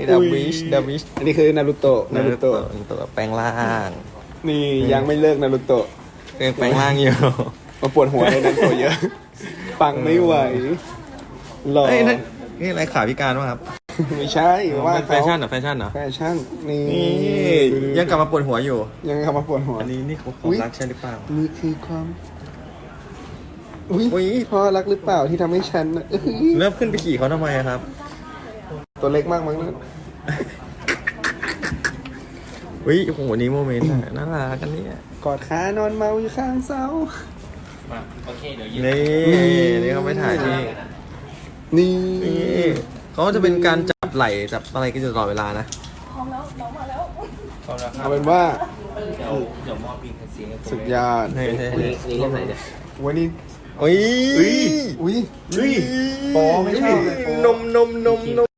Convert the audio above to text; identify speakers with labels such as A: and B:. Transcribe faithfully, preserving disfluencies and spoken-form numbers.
A: ดับบิชดับบิช
B: อันนี้คือนารูโตะนารูโตะ
A: นารูโตะแปลงร่าง
B: นี่ยังไม่เลิกนารูโตะ
A: ยังแปลงร่างอยู่
B: มาปวดหัวเลยนารูโตะเยอะ ปังไม่ไหวหล่อ
A: เอ้ยนั่นนี่อะไรขาพิการวะครับ
B: ไม่ใช่ว่า
A: เป็นแฟชั่นเหรอแฟชั่นเหรอ
B: แฟชั่นนี่
A: นี่ยังกลับมาปวดหัวอยู่
B: ยังกลับมาปวดหัว
A: อันนี้นี่เขาความรักใช่หรือเปล่า
B: นี่คือความอุ้ย
A: อุ๊ย
B: พ่อรักหรือเปล่าที่ทำให้ฉันน่ะเอ้ย
A: เริ่มขึ้นไปขี่เขาทำไมอะครับ
B: ตัวเล็กมากมั้งนะ
A: อุ้ยโอ้โหนี่โมเมนต์อะน่ารักกันเนี่ย
B: กอดขานอนเมาอยู่ข้างเสา
C: โอเคเดี๋ยวยืน
A: นี่นี่เขาไปถ่ายที่
B: นี่
A: นี่เขาจะเป็นการจับไหล่จับอะไรกันอยู่ตลอดเวลานะ
C: พร้อมแล้วครั
B: เอา
C: บ
B: เป็นว่า
C: เดี๋ยวเดี๋ยวมอบบินเสียงให้ผม
B: สุดยอด
A: นี่นี่
C: นี่นี่เรื่องไหนเนี่ย
B: วันนี้
A: อุ้ย
B: อุ้ยอุ้ย
A: อุ้ย
B: โปไม่ชอบเลยโป
A: นมนมนมนม